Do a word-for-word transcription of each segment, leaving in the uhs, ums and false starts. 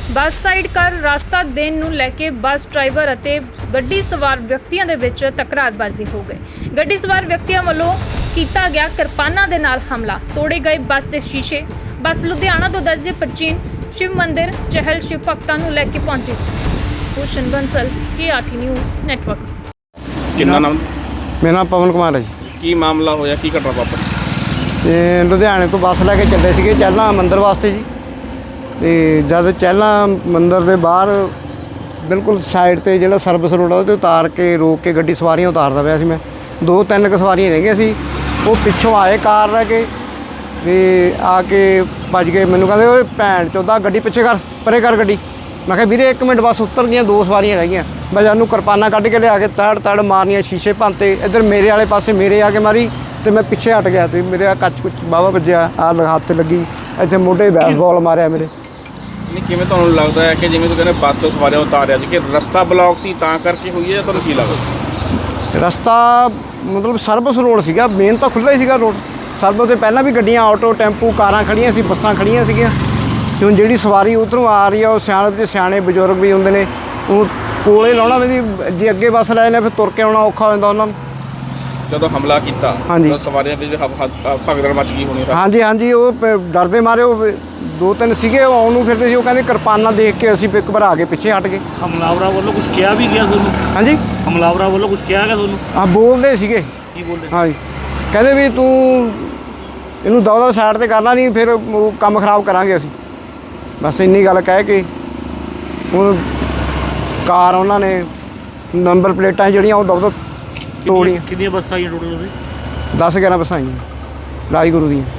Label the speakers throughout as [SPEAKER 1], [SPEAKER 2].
[SPEAKER 1] ਬੱਸ side ਕਰ ਰਸਤਾ ਦੇਣ ਨੂੰ ਲੈ ਕੇ ਬੱਸ ਡਰਾਈਵਰ ਅਤੇ ਗੱਡੀ ਸਵਾਰ ਵਿਅਕਤੀਆਂ ਦੇ ਵਿੱਚ ਤਕਰਾਰਬਾਜ਼ੀ ਹੋ ਗਈ। ਗੱਡੀ ਸਵਾਰ ਵਿਅਕਤੀਆਂ ਵੱਲੋਂ ਕੀਤਾ ਗਿਆ ਕਿਰਪਾਨਾਂ ਦੇ ਨਾਲ ਹਮਲਾ, ਤੋੜੇ ਗਏ ਬੱਸ ਦੇ ਸ਼ੀਸ਼ੇ। ਬੱਸ ਲੁਧਿਆਣਾ ਤੋਂ ਦਰਜੇ ਪ੍ਰਾਚੀਨ शिव मंदिर चहल शिव भक्तों को लेके पहुंचे। भूषण बंसल के आठी न्यूज़ नेटवर्क।
[SPEAKER 2] कितना नाम?
[SPEAKER 3] मेरा नाम पवन कुमार है जी।
[SPEAKER 2] की मामला होया की घटना वापरी?
[SPEAKER 3] ते लुधियाने तो बस लैके चले थे चहला मंदिर वास्ते जी। तो जब चहला मंदिर के बाहर बिल्कुल साइड ते जो सर्विस रोड है वो उतार के रोक के गड्डी सवारियां उतारदा पिया सी। मैं दो तीन क सवारियां रह गई सी, वो पिछों आए कार रह के ਤੇ आके भज गए। मैनू कहते ओए भैन चौदा गड्डी पिछे कर परे कर गड्डी। मैं कहा वीरे एक मिनट बस उतर गई, दो सवारियां रह गई। मैं जानू किरपाना कढ़ के लिया के तड़ तड़ मारनिया, शीशे भंते। इधर मेरे वाले पासे मेरे आके मारी तो मैं पिछे हट गया। तो मेरे कच कुछ बावा बजया, आ हाथ लगी, इतने मोढे बैसबॉल मारिया मेरे।
[SPEAKER 2] नहीं किवें तुहानूं लगदा है कि जिवें तुसीं कहंदे बस तो सवारियां उतारिया जी कि रस्ता ब्लॉक सी तां करके हुई है, तुहानूं की लगदा?
[SPEAKER 3] रस्ता मतलब सर्विस रोड सीगा, मेन तो खुला ही सीगा रोड। सर्विस तो पहला भी गड्डियां ऑटो टैंपू कारां खड़ियां सी, बसां खड़ियां सीगियां। ते हुण जिहड़ी सवारी उधरों आ रही है वो सियाणे सियाणे बजुर्ग भी हुंदे ने, ਉਹ ਕੋਲੇ ਲਾਉਣਾ ਵੀ ਜੇ ਅੱਗੇ ਬੱਸ ਲੈ ਨੇ ਫਿਰ ਤੁਰ ਕੇ ਆਉਣਾ ਔਖਾ ਹੋ ਜਾਂਦਾ ਉਹਨਾਂ ਨੂੰ।
[SPEAKER 2] ਜਦੋਂ ਹਮਲਾ ਕੀਤਾ
[SPEAKER 3] ਤਾਂ
[SPEAKER 2] ਸਵਾਰੀਆਂ ਵਿੱਚ ਭਗਦੜ ਮਚ ਗਈ ਹੋਣੀ।
[SPEAKER 3] ਹਾਂਜੀ ਹਾਂਜੀ ਉਹ ਡਰਦੇ ਮਾਰੇ ਉਹ ਦੋ ਤਿੰਨ ਸੀਗੇ, ਉਹ ਆਉਣ ਨੂੰ ਫਿਰਦੇ ਸੀ। ਉਹ ਕਹਿੰਦੇ ਕਿਰਪਾਨਾਂ ਦੇਖ ਕੇ ਅਸੀਂ ਇੱਕ ਵਾਰ ਆ ਕੇ ਪਿੱਛੇ ਹਟ ਗਏ।
[SPEAKER 4] ਹਮਲਾਵਰਾਂ ਵੱਲੋਂ ਕੁਝ ਕਿਹਾ ਵੀ ਗਿਆ ਤੁਹਾਨੂੰ?
[SPEAKER 3] ਹਾਂਜੀ
[SPEAKER 4] ਹਮਲਾਵਰਾਂ ਵੱਲੋਂ ਕੁਝ ਕਿਹਾ ਗਿਆ ਤੁਹਾਨੂੰ?
[SPEAKER 3] ਹਾਂ ਬੋਲਦੇ ਸੀਗੇ।
[SPEAKER 4] ਕੀ ਬੋਲਦੇ?
[SPEAKER 3] ਹਾਂਜੀ ਕਹਿੰਦੇ ਵੀ ਤੂੰ ਇਹਨੂੰ ਦਵਾ ਦਵਾ ਸਾਈਡ ਤੇ ਕਰਨਾ ਨਹੀਂ, ਫਿਰ ਉਹ ਕੰਮ ਖਰਾਬ ਕਰਾਂਗੇ ਅਸੀਂ। ਬਸ ਇੰਨੀ ਗੱਲ ਕਹਿ ਕੇ ਉਹ ਕਾਰ ਉਹਨਾਂ ਨੇ ਨੰਬਰ ਪਲੇਟਾਂ ਜਿਹੜੀਆਂ ਉਹ ਦਵਾ ਤੋੜੀਆਂ।
[SPEAKER 4] ਕਿੰਨੀਆਂ ਬੱਸਾਂ ਆਈਆਂ ਟੋਟਲ ਉਹਦੇ?
[SPEAKER 3] ਦਸ ਗਿਆਰਾਂ ਬੱਸਾਂ ਆਈਆਂ ਰਾਜ ਗੁਰੂ ਦੀਆਂ।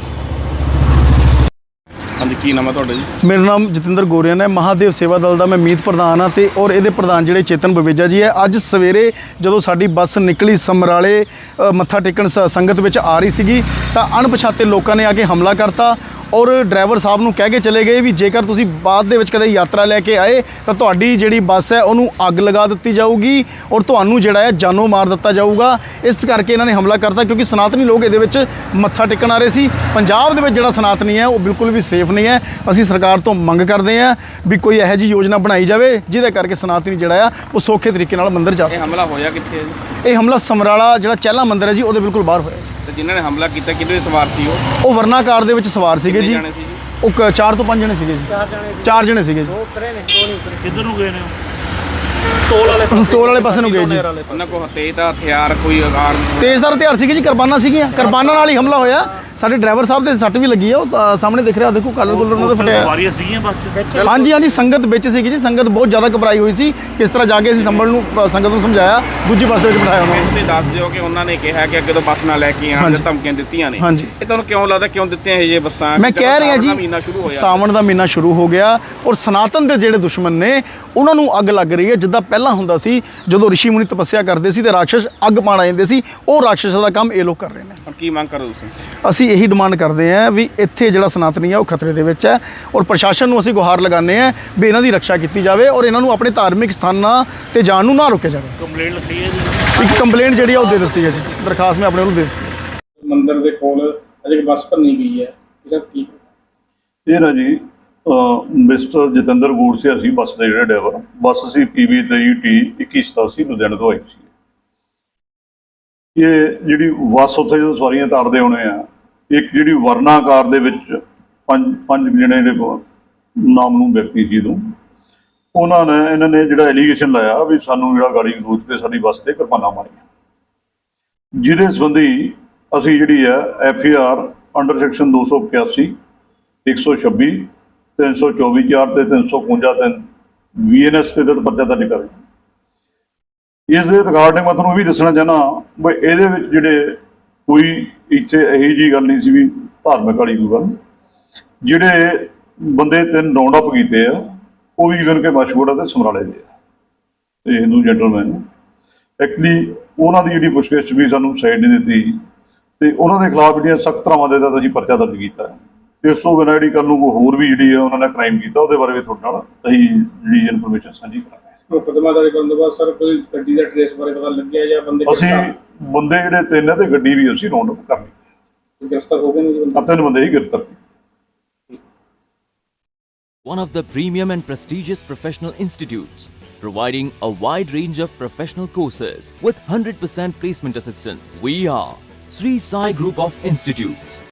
[SPEAKER 2] ਹਾਂਜੀ ਕੀ ਨਾਮ ਹੈ ਤੁਹਾਡਾ ਜੀ?
[SPEAKER 5] मेरा नाम जतिंदर गोरियन है, महादेव सेवा दल का मैं मीत प्रधान हाँ। तो और ये प्रधान जोड़े चेतन बवेजा जी है। अज सवेरे जो साड़ी बस निकली समराले मत्था टेकन संगत में आ रही सी तो अणपछाते लोगों ने आके हमला करता और ड्राइवर साहब नूं कह के चले गए भी जेकर तुसीं बाद दे विच कदे यात्रा लैके आए तो तुहाडी जिहड़ी बस है उहनूं अग लगा दित्ती जाऊगी और तुहानूं जिहड़ा है जानों मार दित्ता जाऊगा। इस करके इन्हां ने हमला करता क्योंकि सनातनी लोग इहदे विच मत्था टेकन आ रहे सी। पंजाब दे विच जिहड़ा सनातनी है वो बिल्कुल भी सेफ नहीं है। असीं सरकार तो मंग करदे हां भी कोई इहो जी योजना बनाई जाए जिहदे करके सनातनी जिहड़ा है वो सौखे तरीके नाल मंदिर जा सके।
[SPEAKER 2] हमला होया कित्थे है जी?
[SPEAKER 5] ये हमला समराला जिहड़ा चहला मंदिर है जी उहदे बिल्कुल बाहर होया।
[SPEAKER 2] ਤੇ ਜਿਨ੍ਹਾਂ ਨੇ ਹਮਲਾ ਕੀਤਾ ਕਿਹਦੇ ਸਵਾਰ ਸੀ ਉਹ?
[SPEAKER 5] ਉਹ ਵਰਨਾ ਕਾਰ ਦੇ ਵਿੱਚ ਸਵਾਰ ਸੀਗੇ ਜੀ।
[SPEAKER 2] ਜਾਣੇ ਸੀ ਜੀ?
[SPEAKER 5] ਉਹ ਕ- ਚਾਰ ਤੋਂ ਪੰਜ ਜਣੇ ਸੀਗੇ ਜੀ।
[SPEAKER 3] ਚਾਰ ਜਣੇ
[SPEAKER 5] ਚਾਰ ਜਣੇ ਸੀਗੇ ਜੀ।
[SPEAKER 3] ਦੋ ਉਤਰੇ ਨੇ, ਦੋ ਨਹੀਂ ਉਤਰੇ।
[SPEAKER 4] ਕਿੱਧਰ ਨੂੰ ਗਏ ਨੇ? ਟੋਲ ਵਾਲੇ
[SPEAKER 5] ਟੋਲ ਵਾਲੇ ਪਾਸੇ ਨੂੰ ਗਏ ਜੀ।
[SPEAKER 2] ਉਹਨਾਂ ਕੋਲ ਤੇਜ਼ ਦਾ ਹਥਿਆਰ ਕੋਈ ਆਕਾਰ
[SPEAKER 5] ਤੇਜ਼ਦਾਰ ਹਥਿਆਰ ਸੀਗੇ ਜੀ, ਕਿਰਪਾਨਾਂ ਸੀਗੀਆਂ। ਕਿਰਪਾਨਾਂ ਨਾਲ ਹੀ ਹਮਲਾ ਹੋਇਆ। ਸਾਡੇ ਡਰਾਈਵਰ ਸਾਹਿਬ ਦੇ ਸੱਟ ਵੀ ਲੱਗੀ ਆ, ਉਹ ਤਾਂ ਸਾਹਮਣੇ ਦਿਖ ਰਿਹਾ, ਦੇਖੋ ਕਾਲਰ ਕੁਲਰ ਉਹਨਾਂ ਦਾ ਫਟਿਆ।
[SPEAKER 4] ਸਵਾਰੀਆਂ ਸੀਗੀਆਂ ਬੱਸ 'ਚ?
[SPEAKER 5] ਹਾਂਜੀ ਹਾਂਜੀ ਸੰਗਤ ਵਿੱਚ ਸੀਗੀ ਜੀ। ਸੰਗਤ ਬਹੁਤ ਜ਼ਿਆਦਾ ਘਬਰਾਈ ਹੋਈ ਸੀ। ਕਿਸ ਤਰ੍ਹਾਂ ਜਾ ਕੇ ਅਸੀਂ ਸੰਭਲ ਨੂੰ ਅ, ਸੰਗਤ ਨੂੰ ਸਮਝਾਇਆ, ਦੂਜੀ ਬੱਸ ਦੇ ਵਿੱਚ ਬਿਠਾਇਆ ਉਹਨਾਂ ਨੂੰ।
[SPEAKER 2] ਤੁਸੀਂ ਦੱਸ ਦਿਓ ਕਿ ਉਹਨਾਂ ਨੇ ਕਿਹਾ ਕਿ ਅੱਗੇ ਤੋਂ ਬੱਸ ਨਾ ਲੈ ਕੇ ਆਉਣ, ਧਮਕੀਆਂ ਦਿੱਤੀਆਂ ਨੇ।
[SPEAKER 5] ਹਾਂਜੀ।
[SPEAKER 2] ਇਹ ਤੁਹਾਨੂੰ ਕਿਉਂ ਲੱਗਦਾ ਕਿਉਂ ਦਿੱਤੀਆਂ ਇਹ ਜੇ ਬੱਸਾਂ?
[SPEAKER 5] ਮੈਂ ਕਹਿ ਰਿਹਾ ਜੀ
[SPEAKER 2] ਮਹੀਨਾ ਸ਼ੁਰੂ ਹੋਇਆ,
[SPEAKER 5] ਸਾਵਣ ਦਾ ਮਹੀਨਾ ਸ਼ੁਰੂ ਹੋ ਗਿਆ ਔਰ ਸਨਾਤਨ ਦੇ ਜਿਹੜੇ ਦੁਸ਼ਮਣ ਨੇ ਉਹਨਾਂ ਨੂੰ ਅੱਗ ਲੱਗ ਰਹੀ ਹੈ। ਜਿੱਦਾਂ ਪਹਿਲਾਂ ਹੁੰਦਾ ਸੀ ਜਦੋਂ ਰਿਸ਼ੀ ਮੁਨੀ ਤਪੱਸਿਆ ਕਰਦੇ ਸੀ ਤੇ ਰਾਖਸ਼ ਅੱਗ ਪਾਣ ਆ ਜਾਂਦੇ ਸੀ, ਉਹ ਰਾਖਸ਼ਾਂ ਦਾ ਕੰਮ ਇਹ ਲੋਕ ਕਰ ਰਹੇ ਨੇ।
[SPEAKER 2] ਹੁਣ ਕੀ ਮੰਗ ਕਰੋ ਤੁਸੀਂ?
[SPEAKER 5] ਅਸੀਂ ਇਹੀ ਡਿਮਾਂਡ ਕਰਦੇ ਹਾਂ ਵੀ ਇੱਥੇ ਜਿਹੜਾ ਸਨਾਤਨੀ ਹੈ ਉਹ ਖਤਰੇ ਦੇ ਵਿੱਚ ਹੈ ਔਰ ਪ੍ਰਸ਼ਾਸਨ ਨੂੰ ਅਸੀਂ ਗੁਹਾਰ ਲਗਾਉਂਦੇ ਹਾਂ ਵੀ ਇਹਨਾਂ ਦੀ ਰੱਖਿਆ ਕੀਤੀ ਜਾਵੇ ਔਰ ਇਹਨਾਂ ਨੂੰ ਆਪਣੇ ਧਾਰਮਿਕ ਸਥਾਨਾਂ ਤੇ ਜਾਣ ਨੂੰ ਨਾ ਰੋਕਿਆ ਜਾਵੇ।
[SPEAKER 4] ਕੰਪਲੇਂਟ ਲਿਖੀ ਹੈ ਜੀ?
[SPEAKER 5] ਇੱਕ ਕੰਪਲੇਂਟ ਜਿਹੜੀ ਆ ਉਹ ਦੇ ਦਿੱਤੀ ਹੈ ਜੀ, ਦਰਖਾਸਤ ਮੈਂ ਆਪਣੇ ਵੱਲੋਂ ਦੇ ਦਿੱਤੀ।
[SPEAKER 2] ਮੰਦਿਰ ਦੇ ਕੋਲ ਅਜੇ ਬੱਸ ਭੰਨੀ ਗਈ ਹੈ, ਇਹਦਾ ਕੀ?
[SPEAKER 6] ਇਹ ਨਾ ਜੀ ਮਿਸਟਰ ਜਤਿੰਦਰ ਗੋੜਸੇ ਅਸੀਂ ਬੱਸ ਦੇ ਜਿਹੜੇ driver, bus C P B ਤੇਈ ਟੀ ਇੱਕੀ ਸਤਾਸੀ ਲੁਧਿਆਣੇ ਤੋਂ ਆਈ ਸੀ। ਇਹ ਜਿਹੜੀ ਬੱਸ ਉੱਥੇ ਜਦੋਂ ਸਵਾਰੀਆਂ ਤਾਰਦੇ ਹੋਣੇ ਆ, ਇੱਕ ਜਿਹੜੀ ਵਰਨਾ ਕਾਰ ਦੇ ਵਿੱਚ ਪੰਜ ਪੰਜ ਜਣੇ ਦੇ ਨਾਮ ਨੂੰ ਵਿਅਕਤੀ ਸੀ ਤੋਂ ਉਹਨਾਂ ਨੇ ਇਹਨਾਂ ਨੇ ਜਿਹੜਾ ਐਲੀਗੇਸ਼ਨ ਲਾਇਆ ਵੀ ਸਾਨੂੰ ਜਿਹੜਾ ਗਾੜੀ ਗਲੋਚ ਕੇ ਸਾਡੀ ਬੱਸ ਤੇ ਕਿਰਪਾਨਾਂ ਮਾਰੀਆਂ, ਜਿਹਦੇ ਸੰਬੰਧੀ ਅਸੀਂ ਜਿਹੜੀ ਹੈ F E R under section ਦੋ ਸੌ ਇਕਿਆਸੀ ਇੱਕ ਸੌ ਛੱਬੀ ਤਿੰਨ ਸੌ ਚੌਵੀ ਚਾਰ ਤੇ ਤਿੰਨ ਸੌ ਇਕਵੰਜਾ ਤਿੰਨ ਵੀ ਐਨ ਐਸ ਤੇ ਤਹਿਤ ਪਰਚਾ ਦਰਜ ਕਰ ਇਸ ਦੇ ਰਿਗਾਰਡਿੰਗ ਮੈਂ ਤੁਹਾਨੂੰ ਇਹ ਵੀ ਦੱਸਣਾ ਚਾਹੁੰਦਾ ਵੀ ਇਹਦੇ ਵਿੱਚ ਜਿਹੜੇ ਕੋਈ ਇੱਥੇ ਇਹੀ ਜਿਹੀ ਗੱਲ ਨਹੀਂ ਸੀ ਵੀ ਧਾਰਮਿਕ ਵਾਲੀ ਕੋਈ ਗੱਲ। ਜਿਹੜੇ ਬੰਦੇ ਤਿੰਨ ਰਾਉਂਡ ਅਪ ਕੀਤੇ ਆ ਉਹ ਵੀ ਇਵਨ ਕਿ ਮਸ਼ਹੂਰ ਤੇ ਸਮਰਾਲੇ ਦੇ ਆ ਤੇ ਹਿੰਦੂ ਜੈਂਟਲਮੈਨ। ਐਕਚੁਅਲੀ ਉਹਨਾਂ ਦੀ ਜਿਹੜੀ ਪੁੱਛਗਿੱਛ ਵੀ ਸਾਨੂੰ ਸਾਈਡ ਨਹੀਂ ਦਿੱਤੀ ਤੇ ਉਹਨਾਂ ਦੇ ਖਿਲਾਫ ਜਿਹੜੀਆਂ ਸਖਤ ਧਾਰਾਵਾਂ ਦੇ ਤਹਿਤ ਅਸੀਂ ਪਰਚਾ ਦਰਜ ਕੀਤਾ। ਇਸ ਤੋਂ ਬਿਨਾਂ ਜਿਹੜੀ ਕੱਲ੍ਹ ਨੂੰ ਹੋਰ ਵੀ ਜਿਹੜੀ ਆ ਉਹਨਾਂ ਨੇ ਕ੍ਰਾਈਮ ਕੀਤਾ ਉਹਦੇ ਬਾਰੇ ਵੀ ਤੁਹਾਡੇ ਨਾਲ ਅਸੀਂ ਜਿਹੜੀ ਇਨਫੋਰਮੇਸ਼ਨ ਸਾਂਝੀ ਕਰਾਂਗੇ।
[SPEAKER 2] ਮੁਕੱਦਮਾ ਦਰਜ ਕਰਨ ਤੋਂ ਬਾਅਦ ਸਰ ਕੋਈ ਗੱਡੀ ਦਾ ਟ੍ਰੇਸ ਬਾਰੇ ਪਤਾ ਲੱਗਿਆ ਜਾਂ ਬੰਦੇ
[SPEAKER 6] ਅਸੀਂ ਬੰਦੇ ਜਿਹੜੇ ਤਿੰਨ ਤੇ ਗੱਡੀ ਵੀ ਅਸੀਂ ਰਾਉਂਡ ਅਪ ਕਰ ਲਈ।
[SPEAKER 2] ਗ੍ਰਿਫਤਾਰ ਹੋ ਗਏ ਨੇ ਜੀ?
[SPEAKER 6] ਤਿੰਨ ਬੰਦੇ ਹੀ ਗ੍ਰਿਫਤਾਰ ਕੀਤੇ।
[SPEAKER 7] one of the premium and prestigious professional institutes, providing a wide range of professional courses with one hundred percent placement assistance. We are Sri Sai Group of Institutes.